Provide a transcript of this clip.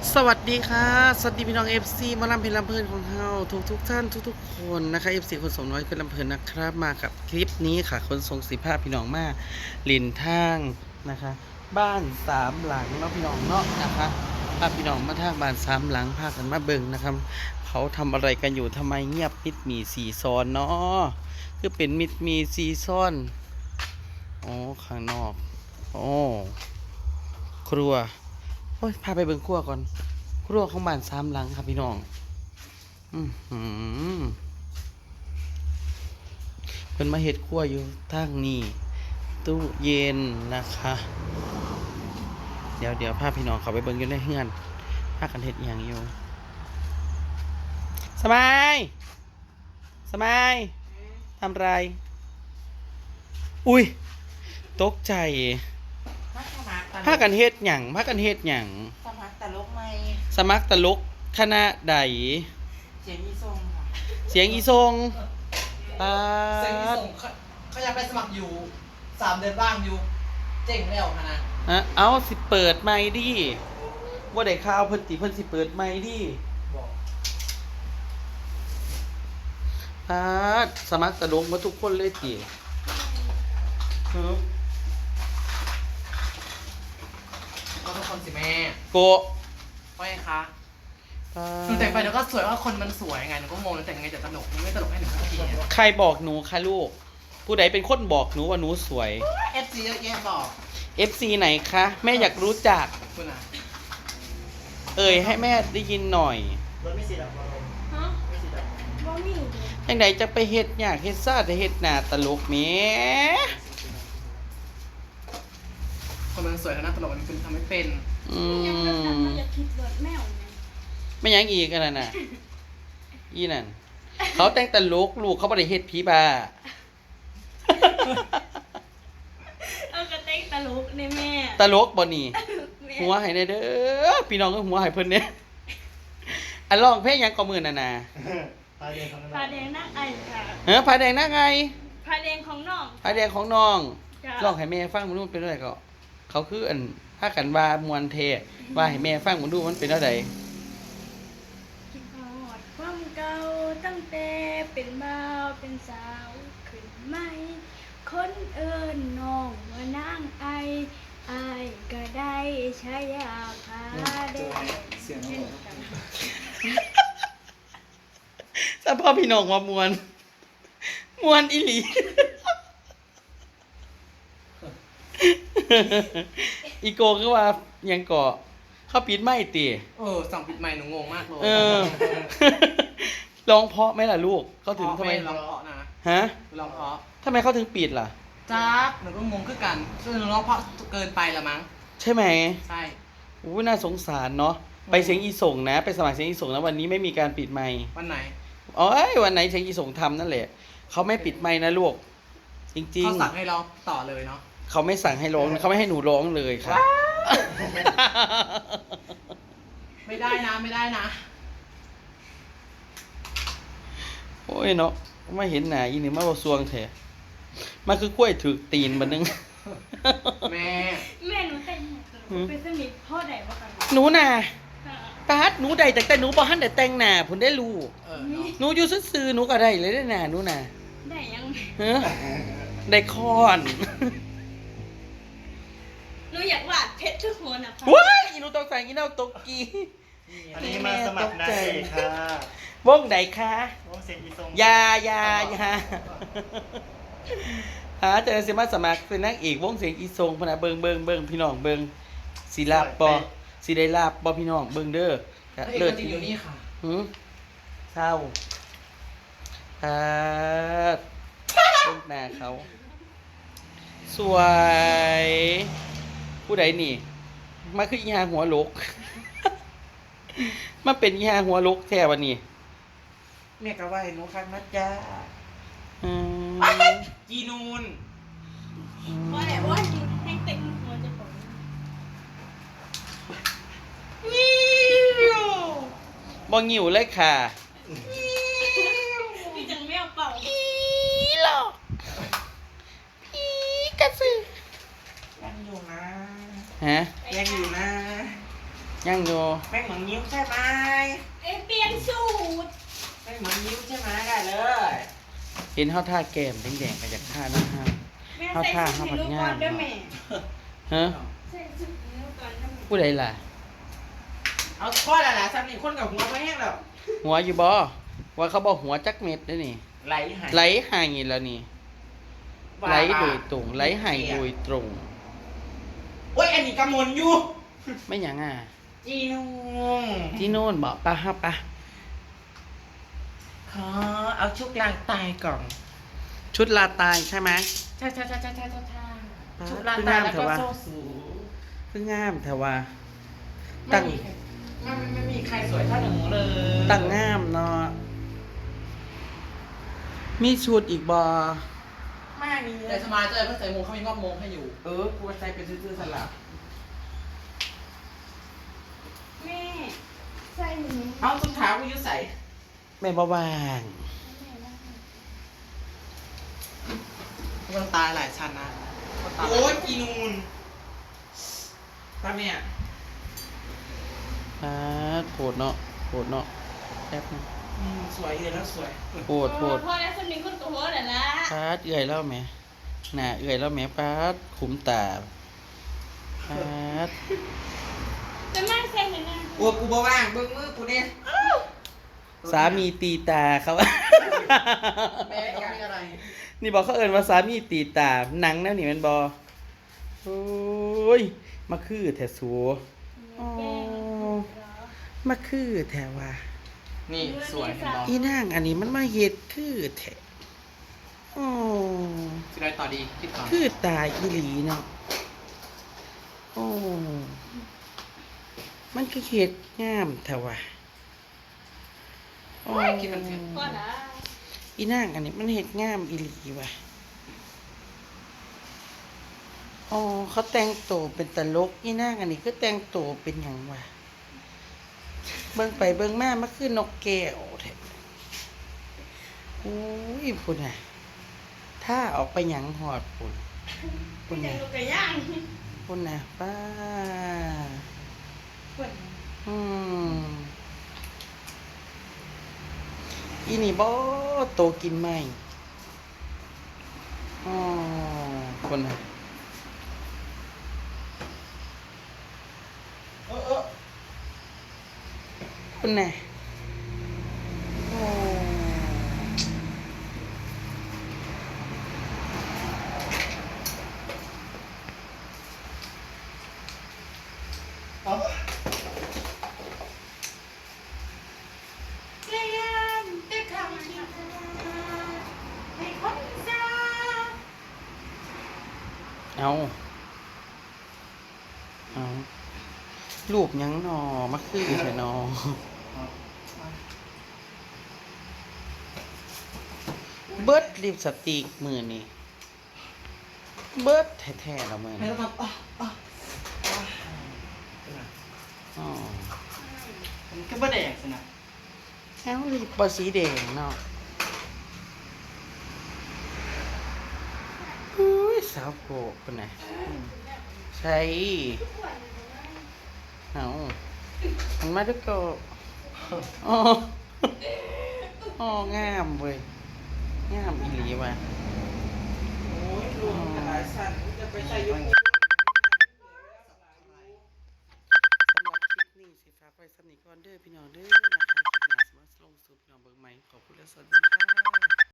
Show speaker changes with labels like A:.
A: สวัสดีค่ะสวัสดีพี่น้องเอฟซีมาลำเพลินลำเพลินของเราทุกท่านทุกคนนะคะเอฟซีคนสมน้อยเพลินลำเพลินนะครับมากับคลิปนี้ค่ะคนทรงสีผ้าพี่น้องมาลินทางนะคะบ้านสามหลังเนาะพี่น้องเนาะนะคะพาพี่น้องมาทางบ้านสามหลังพากันมาเบิ่งนะครับเขาทำอะไรกันอยู่ทำไมเงียบมิดมีสีซ้อนเนาะคือเป็นมิดมีสีซ้อนอ๋อข้างนอกโอ้ครัวโอ้ยพาไปเบิ่งครัวก่อนครัวของบ้านสามหลังครับพี่น้องหือเพิ่นมาเฮ็ดครัวอยู่ทางนี้ตู้เย็นนะคะ เดี๋ยวพาพี่น้องเขาไปเบิ่งอยู่ในเฮือนพากันเฮ็ดอหย่างอยู่สมัยสมัยทำไรอุ้ยตกใจพากันเฮ็ดหยังพากันเฮ็ดหยัง
B: สมัครตลกไหม
A: สมัครตลกคณะใด
B: เสียงอีทรงค่ะ
A: เสียงอีทรง
B: เสียงอีทรงเขาอยากไปสมัครอยู่3 เดือนบ้างอยู่เจ๋งแล้วค่ะนะ
A: เอาสิเปิดไมค์ดิว่าได้ข่าวเพิ่นสิเปิดไมค์ดิ
B: บอก
A: สมัครตลกมาทุกคนเลยติ
B: ก็ทุกคนสิแม่
A: โก
B: ว่าไงคะหนูแต่งไปเดี๋ยวก็สวยว่าคนมันสวยไงหนูก็งงแล้วแต่งยังไงจะตลกไม่ตลกให้หนูสักทีเนี่ย
A: ใครบอกหนูคะลูกผู้ใดเป็นคนบอกหนูว่าหนูสวย
B: FC เยอะแยะบอก
A: FC ไหนคะแม่อยากรู้จัก
B: คุณอ่ะ
A: ให้แม่ได้ยินหน่อย
B: รถไม่สีดำฮะไม่สีดำว่ามี
A: จังไดจะไปเฮ็ดยากเฮ็ดซ่าจะเฮ็ดหน้าตลกแหม
B: คนมันสวยแล้วน่าตลกมันคือทำไม่เป็น
C: อยากคิดรถแมวไง
A: ไม่ยังอีกกันน่ะอีนั่นเขาแต่งตลกลูกเขาบ่ได้เฮ็ดผีบ้า
C: ก็เต้นตลกในแม่
A: ตลกบ่นี่หัวให้แน่เด้อพี่น้องก็หัวให้เพิ่นเนี่ยอันร้องเพลงหยังก็มื้อนั่นน่ะ
C: พาแดงนั่งไอ
A: ผ
C: ค่ะ
A: าแดงนั่งไง
C: พาแดงของน้อง
A: ผาแดงของน้องร้องให้แม่ฟังมันดูเป็นอะไรก็เขาคืออันพากันว่ามวนเทว่าให้แม่ฟังมันดูมันเป็นอะไร
C: คิดฮอดความเก่าตั้งแต่เป็นบ่าวเป็นสาวขึ้นไหมคนเอิ้นน้องว่านางไอก็ได้ใช้ยาพาแดง
B: เสียงอะไร
A: ถ้าพ่อพี่น้องว่ามวนอีหลีอีโกก็ว่ายังเกาะเขาปิดไม่ตี
B: สั่งปิดไมค์หนูงงมากเลย
A: ร้องเพราะไหมล่ะลูกเขาถึงทำไม
B: ร้องเพราะนะ
A: ฮะ
B: ร้องเพราะ
A: ทำไมเขาถึงปิดล่ะ
B: จักหนูก็งงคือกันซึ่งหนูร้องเพราะเกินไปละมั้ง
A: ใช่ไหม
B: ใช่
A: น่าสงสารเนาะไปเสียงอีส่งนะไปสมัครเสียงอีส่งนะวันนี้ไม่มีการปิดไมค์
B: วันไหน
A: วันไหนเสียงอีส่งทำนั่นแหละเขาไม่ปิดไมค์นะลูกจริงๆ
B: เขาสั่งให้ร้องต่อเลยเนาะ
A: เขาไม่สั่งให้ร้องเขาไม่ให้หนูร้องเลยค่ะ
B: ไม่ได้นะ
A: โอ้ยเนาะไม่เห็นหนาอีนี่มาบ่ซวงแท้มันคือกล้วยถือตีนบัดนึง
B: แม่
C: หนูแต่งเป็นสนิทพ่อใดบ่กัน
A: หนูน่ะตาดหนูใดแต่หนูบ่ทันได้แต่งหน้าพุ่นได้รู้หนูอยู่ซื่อๆหนูก็ได้เลยได้หน้าหนูน่ะ
C: ได้ยัง
A: ได้คอน
C: หนูอยากวาดเพชรทุกหัวนะ
A: ว้ายอีหนูตกใส่อีหนูตกกี
D: อันนี้มาสมัครได้ค่ะ
A: วงใดคะ
D: วงเสียงอีทรง
A: ยาจะสิมาสมัครเป็นนักเอกวงเสียงอีทรงพนะเบิ่งพี่น้องเบิ่งสิลาบบ่สิได้ลาบบ่พี่น้องเบิ่งเด้อ
B: เลิศจริงอยู่นี่ค่ะ
A: เศร้าต้นหน้าเขาสวยผู้ใดนี่มาคืออีหาหัวลกมาเป็นอีหาหัวลกแท้วันนี้
B: แม่ก็ว่าหนูคักนะจ๊ะจีนูน
C: ว่าจีให้เต็มหัวจะปวด
A: บ่งิ้วเลยค่ะ
C: พี่จังไม่เอาเป่า
A: หรอกพี่กระสือ
B: ยังอยู่นะ
A: ฮะ
B: ยังอยู่นะ
A: ยังอยู่
B: แป้งหมังยิ้วใช่ไหม
C: เปลี่ยนสูตร
B: แป้งหมังยิ้วใช่ไหมได้เลย
A: เห็นเฮาท่าแก้มแดงๆก็อยากท่านะฮะ
C: แม่
A: เข้า
C: ใส่
A: ท่า
C: ชุด
A: เข้า
C: ให้
A: มัด
C: ลูก
A: งาม
C: ก่อนเด้อแม่
A: ฮะ
C: ใส่ชุดให้ลูกก่อนเด้อแม่
A: ผู้ใดล่ะ
B: เอาข้อละล่ะซ้ำนี่คนกับหัวไม่แห้งแล้ว
A: หัวอยู่บ่ว่าเขาบอกหัวจักเม็ดเด้อนี่
B: ไหลหาย
A: ไหลหายแล้วนี่ไหลโดยตรงไหลหายโดยตรง
B: โอ้ยอันนี้กำมลอยู่
A: ไม่หยังอ่ะ
B: จีนง
A: ที่โน่นบอกปะฮะปะ
B: ขอเอาชุกลางตายก่อน
A: ชุดลาตายใช่ไหม
B: ใช่ชุก
A: ลา
B: ลาง
A: ตา
B: ตาย ย
A: แล้
B: แล้ว ว
A: ก็
B: ก็
A: โซ่
B: โซ่
A: สู
B: สู
A: เพิ่งงามแต่ว่า
B: ไม่
A: ตั้ง
B: มีไม่มีใครสวยเท่าหนูเลย
A: ตั้งงามเนาะมีชุดอีกบอ
B: ไม่มีเล
E: แต่
B: ย
E: สมาร์ทเจอเพื่อนใส่มงเขามีมอบมงให้อยู่
B: กูใช้เป็นซื่อๆสลับ
C: แม่ใส่หนู
B: เอาตุ้งเท้ากูยืดใส่
A: แม่บ่วาง
E: มันตายหลายชั้นนะมันตาย
B: โอ้ยกีนูนตาเนี่ย
A: โผดเนาะโผดเนาะแป๊บนึง
B: สวยเลยแล้วสวย
A: โผดโผด
C: พ่อแล้วคนนี้คนโตแล้วล่ะ
A: เอื่อยแล้วแหม่หน้าเอื่อยแล้วแหม่ขุมตาด
C: จะมาใส่ให้นะ
B: โอ้กูบ่ว่างเบิ่งมือกูเนี่ย
A: สามีตีตาเขา
E: แม่ก็มีอะไร
A: นี่บอกเขาเอินว่าสามีตีตาหนังแนวนี่แมันบอโอ้ยมาคือแถสูอ๋อมาคือแถว่า
E: นี่สวยเห็นบอ
A: อีนางอันนี้มันมาเฮ็ดคือแถอ๋อ
E: สิได้ต่อดีคิดก่อน
A: คือตายอีหลีเนาะโอ้มันคือเฮ็ดงามแถว่าอ๋อ
E: คิดมันถึง
C: พ่อละ
A: อีนางอันนี้มันเฮ็ดงามอีหลีว่ะอ๋อเขาแต่งตัวเป็นตลกอีนางอันนี้คือแต่งตัวเป็นหยังวะเบิ่งไปเบิ่งมามันคือนกแก้วแท้โอ้ยพุ่นน่ะถ้าออกไปหยังหอดพุ่นพุ่น
C: แต่
A: น่ะ
C: ลูกกระย่าง
A: พุ่นน่ะป้า
C: พุ่น
A: อืมอีนี่บ่โตกินไหมอ๋อพุ่นน่ะ คุณน่ะโอ้
C: เรียนแต่คำที่ให้คนเจ้า
A: เอารูปหยังนอมาคือใช่นอเบิดลิปสติกมือนี่เบิดแท้ๆแล้วมือ
E: ไม่
A: นี่
E: ต้องทำ
A: อ๋อ
D: มันก็บ่แดงสินะ
A: เอาลิปบสีแดงเนาะอุ้ยสาวโกะเป็นไงใช่เอามันมาด้วยก็อ๋ออ๋องามเว้ยงามอีหลีว่ะ
B: โอ้ยรวมหลายชั้นจะไปใส่ยุค
A: สำหรับคลิปนี้สิฝากไว้สำหรับนิกรเด้อพี่น้องเด้อนะคะคลิปหน้าสมาร์ทลงสู่พี่น้องเบิ่งใหม่ขอบคุณและสวัสดีค่ะ